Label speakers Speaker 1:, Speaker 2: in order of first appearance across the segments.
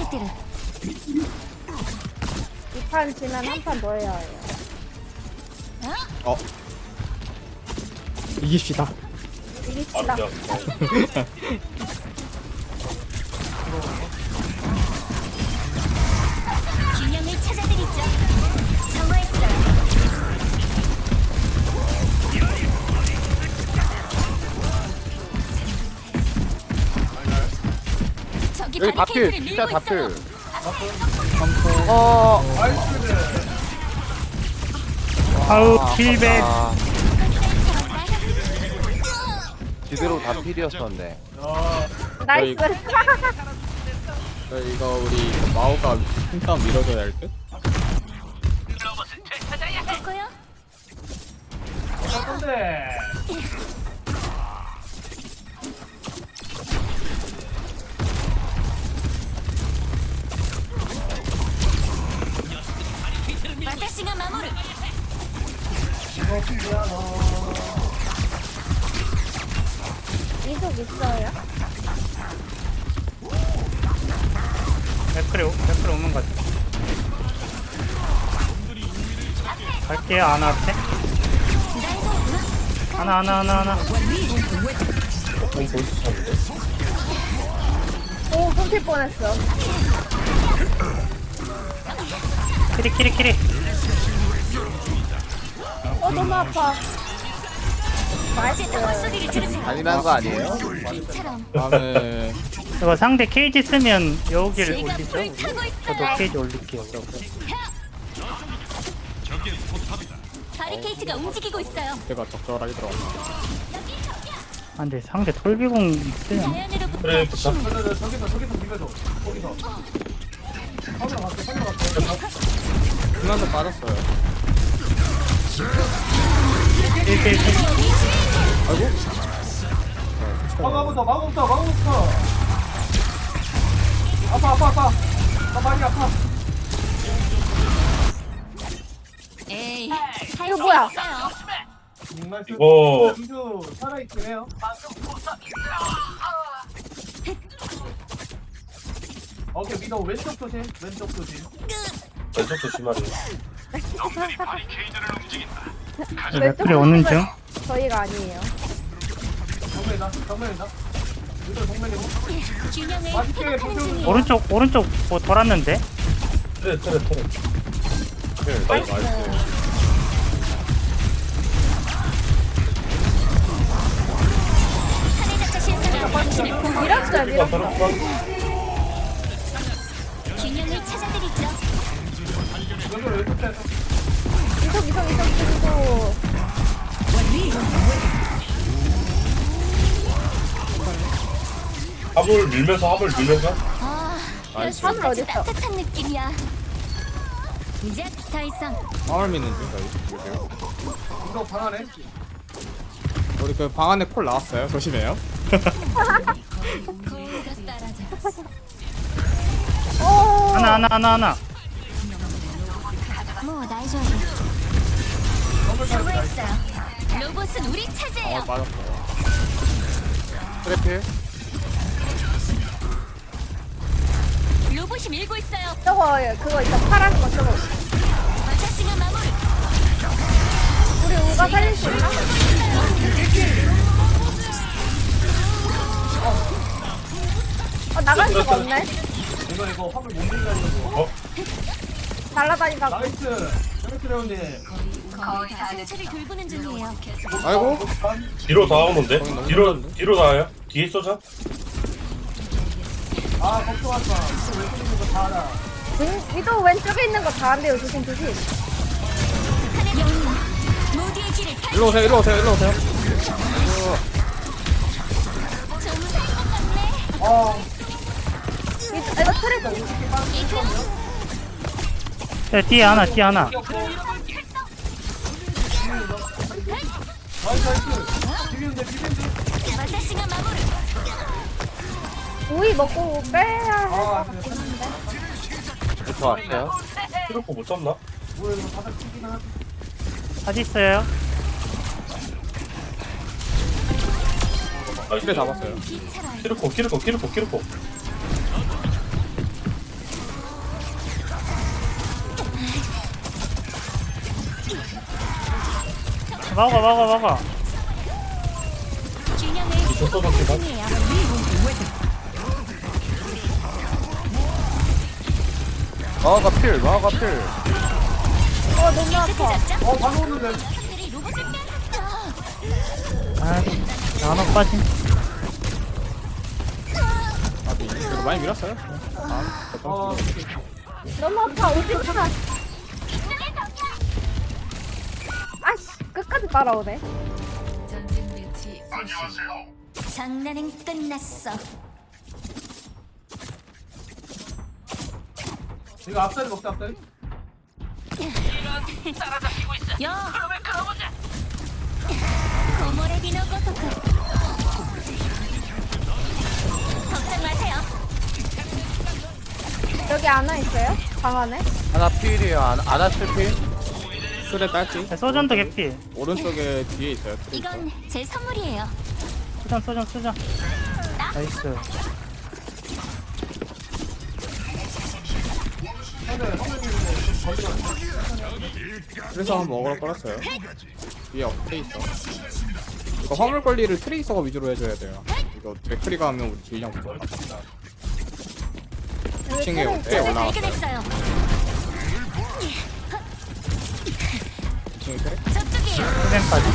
Speaker 1: 이 판 지면 한 판 더 해야 해요.
Speaker 2: 이깁시다.
Speaker 1: 이깁시다.
Speaker 3: 균형을 찾아드리죠. 정화했어요. 저기
Speaker 4: 여기 다필
Speaker 3: 바리케이트를
Speaker 4: 진짜
Speaker 3: 밀고
Speaker 4: 다필.
Speaker 3: 있어요.
Speaker 2: 아우 킬백.
Speaker 4: 지대로 다필이었었네.
Speaker 1: 나이스.
Speaker 5: 이거 우리 마오가 힘싸움 밀어줘야 할 듯?
Speaker 3: 바꿔요? 와타시가 마무르.
Speaker 1: 이속 있어요?
Speaker 2: 맥크리 오는 것 같아. 갈게요 아나한테. 하나.
Speaker 1: 오, 끊길 뻔했어.
Speaker 2: 키리.
Speaker 1: 너무 아파.
Speaker 3: 어쨌든 헛소리를 들으세요.
Speaker 4: 잔인한 거 아니에요?
Speaker 3: 이처럼
Speaker 5: 다음에
Speaker 2: 이거 상대 케이지 쓰면 여기를
Speaker 3: 제가
Speaker 2: 올리죠.
Speaker 3: 불 타고
Speaker 2: 저도
Speaker 3: 있어요.
Speaker 2: 케이지 올릴게요.
Speaker 3: 바리케이트가 움직이고 있어요.
Speaker 5: 제가 적절하게 들어갔다.
Speaker 2: 아, 근데 상대 톨비공 있으면
Speaker 3: 자연으로부터
Speaker 6: 그래,
Speaker 3: 힘.
Speaker 5: 중간도 빠졌어요.
Speaker 2: 1대1.
Speaker 6: 막아부터. 아파. 나 많이 아파.
Speaker 3: 에이,
Speaker 1: 이거 뭐야?
Speaker 6: 이거
Speaker 7: 민주 살아있긴 해요. 오케이, 미도 왼쪽 조심.
Speaker 6: 왼쪽 조심하래.
Speaker 2: 맥크리 오는 중.
Speaker 1: 저희가 아니에요.
Speaker 7: 정면이다. 미도 정면이고.
Speaker 3: 균형을
Speaker 7: 맛있게
Speaker 3: 회복하는
Speaker 7: 보세요.
Speaker 3: 중이에요.
Speaker 2: 오른쪽 뭐 돌았는데.
Speaker 6: 트레.
Speaker 1: 나이스.
Speaker 3: 하늘작가 신사가 당신을 보호해요.
Speaker 1: 밀었어요.
Speaker 3: 균형을 찾아드리죠.
Speaker 1: 이속.
Speaker 6: 합을 밀면서.
Speaker 3: 아,
Speaker 1: 하늘 어딨어?
Speaker 3: 아주 따뜻한 느낌이야. 이제 더 이상
Speaker 5: 마을 미는 중 저희.
Speaker 7: 미도 방 안에.
Speaker 5: 우리 그 방 안에 콜 나왔어요. 조심해요.
Speaker 3: 거울가 따라져.
Speaker 1: 오.
Speaker 2: 하나.
Speaker 3: 뭐 나이줘야 정화했어요. 로봇은 우리 차지해요.
Speaker 5: 빠졌어요.
Speaker 4: 트래필.
Speaker 3: 로봇이 밀고 있어요.
Speaker 1: 저거 그거 있어. 파란 거 저거.
Speaker 3: 와타시가 마무르.
Speaker 1: 우리 우가 살릴 수 있나? 나갈 수가 없네.
Speaker 7: 이거 화물 못 밀가지고.
Speaker 1: 날라다니까.
Speaker 7: 나이스. 저렇게 레온님.
Speaker 3: 상처를 돌보는 중이에요.
Speaker 5: 아이고.
Speaker 6: 뒤로 다 오는데? 뒤로 나와요? 뒤에 쏘자.
Speaker 7: 아, 걱정하지 마. 미도 왼쪽에 있는 거 다 알아.
Speaker 1: 위도 왼쪽에 있는 거 다 안 돼요. 조심.
Speaker 3: 하늘 영웅 모두의 길을 펼.
Speaker 5: 일로 오세요.
Speaker 3: 좀 살것 같네.
Speaker 1: 이거 트레서.
Speaker 2: 야, 뒤에 하나.
Speaker 7: 나이스. 비비는데.
Speaker 3: 와타시가 마무르.
Speaker 1: 오이 먹고 빼야 할 것
Speaker 7: 아,
Speaker 1: 같긴 한데.
Speaker 4: 저 왔어요.
Speaker 6: 트로코 못 잡나?
Speaker 7: 뭐야, 이거 바닥 튀기나 하지.
Speaker 2: 어디 있어요?
Speaker 6: 나이스.
Speaker 5: 킬에 잡았어요.
Speaker 3: 비차라.
Speaker 6: 키르코.
Speaker 2: 막아.
Speaker 3: 균형을
Speaker 6: 미쳐 써놓기다.
Speaker 3: 중이에요.
Speaker 4: 마가 필.
Speaker 1: 너무 아파.
Speaker 7: 방금 오는데.
Speaker 3: 들이 로봇을 빼앗았어.
Speaker 2: 아, 나눠 빠진.
Speaker 5: 그래도 많이 밀었어요.
Speaker 1: 너무 아파. 오지 마. 아씨, 끝까지 따라오네.
Speaker 3: 장난은 끝났어.
Speaker 7: 이거 앞다리 먹자 앞다리.
Speaker 3: 야. 고모레 비노 고토쿠. 걱정 마세요.
Speaker 1: 여기 안와 있어요? 방 안에?
Speaker 4: 하나 필이에요. 아나 필.
Speaker 5: 술에 딸지.
Speaker 2: 소전도 개피.
Speaker 5: 오른쪽에 뒤에 있어요.
Speaker 3: 이건 제 선물이에요.
Speaker 2: 소전. 나이스.
Speaker 5: 그래서 한번 먹으러 꺼냈어요. 위에 업돼 있어. 이거 화물 관리를 트레이서가 위주로 해줘야 돼요. 이거 맥크리가 하면 우리 딜량 부족하 2층에 업돼 올라왔어요.
Speaker 3: 발견했어요.
Speaker 5: 2층에 트레?
Speaker 3: 저쪽이에요.
Speaker 2: 소전까지.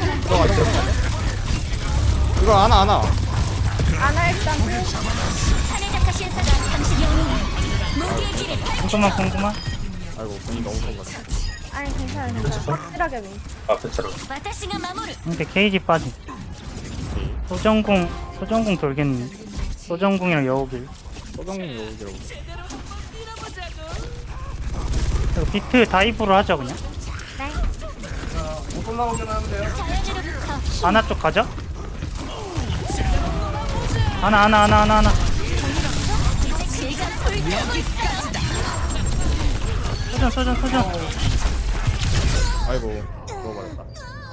Speaker 5: 이거 안아.
Speaker 1: 안와 일단
Speaker 3: 사내자카 신사가 당신 영웅. 모두의 길을
Speaker 2: 궁금한.
Speaker 5: 아이고 분이 너무 좋은
Speaker 1: 아니 괜찮아. 확실하게 민.
Speaker 6: 앞에 차로.
Speaker 3: 와타시가 마모루.
Speaker 2: 근데 케이지 빠진. 소전궁 돌겠네. 소전궁이랑 여우길.
Speaker 5: 소정님 여기라고.
Speaker 2: 그리고 비트 다이브로 하죠 그냥.
Speaker 1: 네.
Speaker 7: 못 올라오기만 하면 돼요.
Speaker 3: 자연으로부터 힘.
Speaker 2: 하나 쪽 가죠? 하나.
Speaker 3: 이제 제가 불타고 있어요.
Speaker 2: 소전.
Speaker 5: 아이고 죽어버렸다.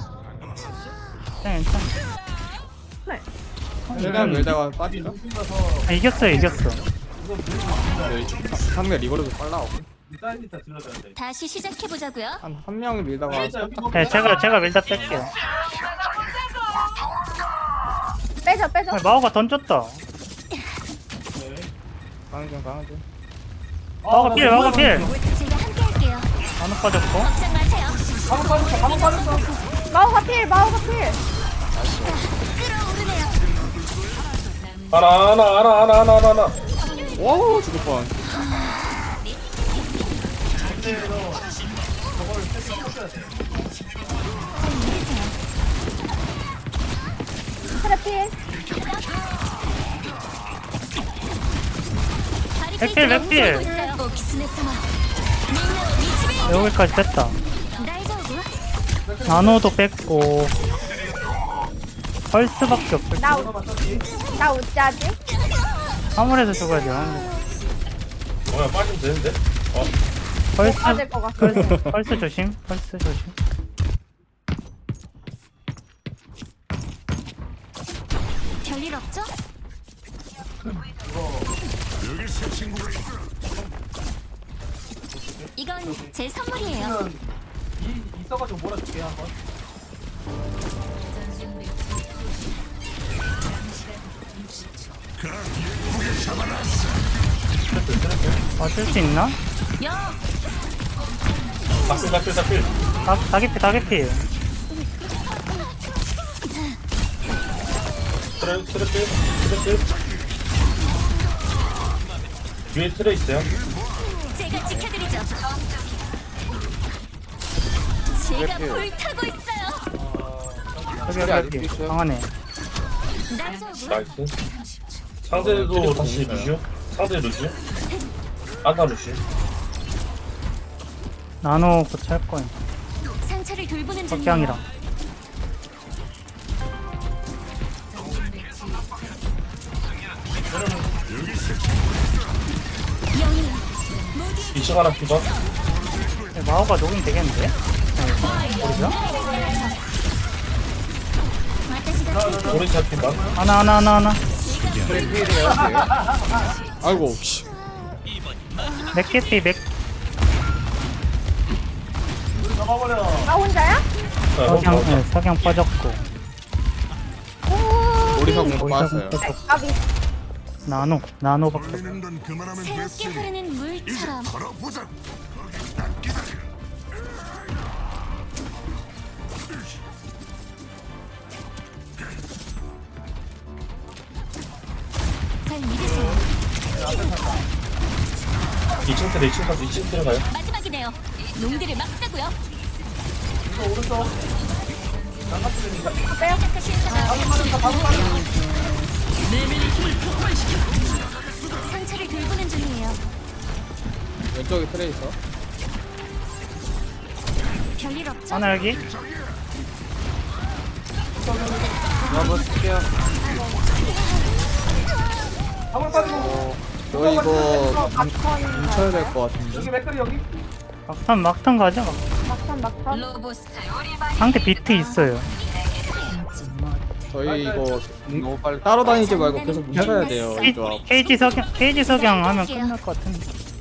Speaker 2: 괜찮아.
Speaker 1: 네.
Speaker 5: 최대한 밀다가 빠지죠?
Speaker 2: 아, 이겼어요.
Speaker 5: 상대 리거르도 빨라고.
Speaker 7: 이 사이드 있다 질러줘야 돼.
Speaker 3: 다시 시작해 보자고요.
Speaker 5: 한 명이 밀다가
Speaker 2: 네, 제가 밀다 뺄게요.
Speaker 1: 빼줘.
Speaker 2: 아, 마오가 던졌다.
Speaker 5: 강중.
Speaker 2: 마오가 필.
Speaker 3: 제가 함께 할게요.
Speaker 2: 나눠 빠졌고.
Speaker 3: 걱정 마세요.
Speaker 7: 방금 빠졌어.
Speaker 1: 마오가 필.
Speaker 3: 끌어오르네요.
Speaker 6: 하나.
Speaker 5: 와 죽을 뻔.
Speaker 1: 트랩 필.
Speaker 2: 백필.
Speaker 3: 오키스네사마. 민나를 미치베.
Speaker 2: 여기까지 됐다.
Speaker 3: 다이저브.
Speaker 2: 나노도 뺐고. 펄스밖에 없을
Speaker 1: 나 웃자지?
Speaker 2: 화물에서 죽어야 돼요.
Speaker 6: 뭐야 빠지면 되는데?
Speaker 1: 빠질 것 같아.
Speaker 2: 펄스 조심.
Speaker 3: 별일 없죠? 이건 제 선물이에요.
Speaker 7: 있어가지고 몰아줄게 한번.
Speaker 2: 맞을 수 있나?
Speaker 3: 야,
Speaker 6: 다필.
Speaker 2: 다개피.
Speaker 6: 트레. 위에 트레 있어요.
Speaker 3: 제가 지켜드리죠. 제가 불타고 있어요.
Speaker 2: 여기 방 안에.
Speaker 3: 다이저브.
Speaker 6: 나이스. 상대도 다시 루시오. 상대 루시오. 아까 루시오.
Speaker 2: 나노 고찰 거야.
Speaker 3: 상처를 돌보는 중이에요.
Speaker 2: 석양이랑.
Speaker 3: 영웅. 모두의
Speaker 6: 2층 하나 피봐.
Speaker 2: 마오가 녹음 되겠는데? 모르죠?
Speaker 3: 와타시가
Speaker 6: 오른쪽 피봐.
Speaker 2: 하나.
Speaker 5: 아이고 씨.
Speaker 2: 맥개피.
Speaker 7: 잡아버려.
Speaker 1: 나 혼자야?
Speaker 2: 석양, 네, 석양 빠졌고.
Speaker 5: 오리사 공도
Speaker 2: 오리사
Speaker 5: 빠졌어요.
Speaker 2: 공 빠졌고.
Speaker 1: 까비.
Speaker 2: 나노밖에 없어.
Speaker 3: 새롭게 흐르는 물처럼 잘 믿으세요.
Speaker 6: 2층 때려 2층 가서 2층 들어가요.
Speaker 3: 마지막이네요. 놈들을 막자고요.
Speaker 7: 이거 오른쪽.
Speaker 3: 시작하신 사람 상처를 돌보는 중이에요.
Speaker 5: 왼쪽에 트레이서.
Speaker 3: 별일 없죠?
Speaker 2: 하나 여기.
Speaker 4: 한번 쓸게요.
Speaker 7: 화물 빠지고.
Speaker 5: 저 이거
Speaker 1: 막판
Speaker 5: 뭉쳐야 될 것 같은데.
Speaker 7: 여기 맥클이 여기.
Speaker 2: 막탄 가자.
Speaker 1: 막판.
Speaker 2: 상대 비트 있어요.
Speaker 5: 저희 이거
Speaker 4: 너무 빨리.
Speaker 5: 따로 다니지 말고 계속 뭉쳐야 돼요. 이 조합.
Speaker 2: 케이지 석양 하면 끝날 것 같은데.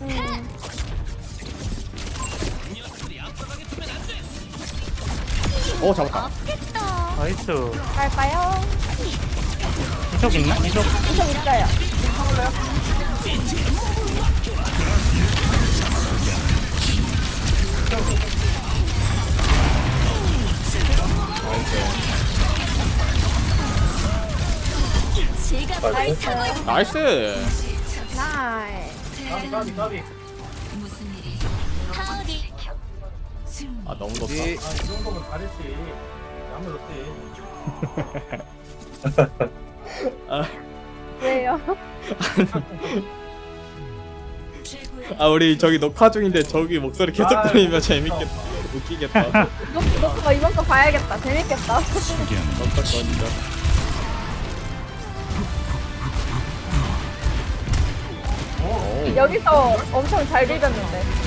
Speaker 5: 잡았다.
Speaker 3: 없겠다.
Speaker 2: 나이스.
Speaker 1: 갈까요?
Speaker 2: 이속 있나? 이속.
Speaker 1: 이속 있어요.
Speaker 3: 제가
Speaker 1: 나이스.
Speaker 5: 나이스.
Speaker 1: 나이.
Speaker 7: 까비.
Speaker 3: 하디
Speaker 5: 아 너무 덥다.
Speaker 4: 이
Speaker 7: 아, 이 정도면 잘했지. 아무렇지.
Speaker 1: 왜요?
Speaker 5: 아 우리 저기 녹화 중인데 저기 목소리 계속
Speaker 7: 아,
Speaker 5: 들리면 재밌겠다. 웃기겠다.
Speaker 1: 녹화 이번 거 봐야겠다. 재밌겠다.
Speaker 5: 어떡하니까.
Speaker 1: 여기서 엄청 잘 비볐는데.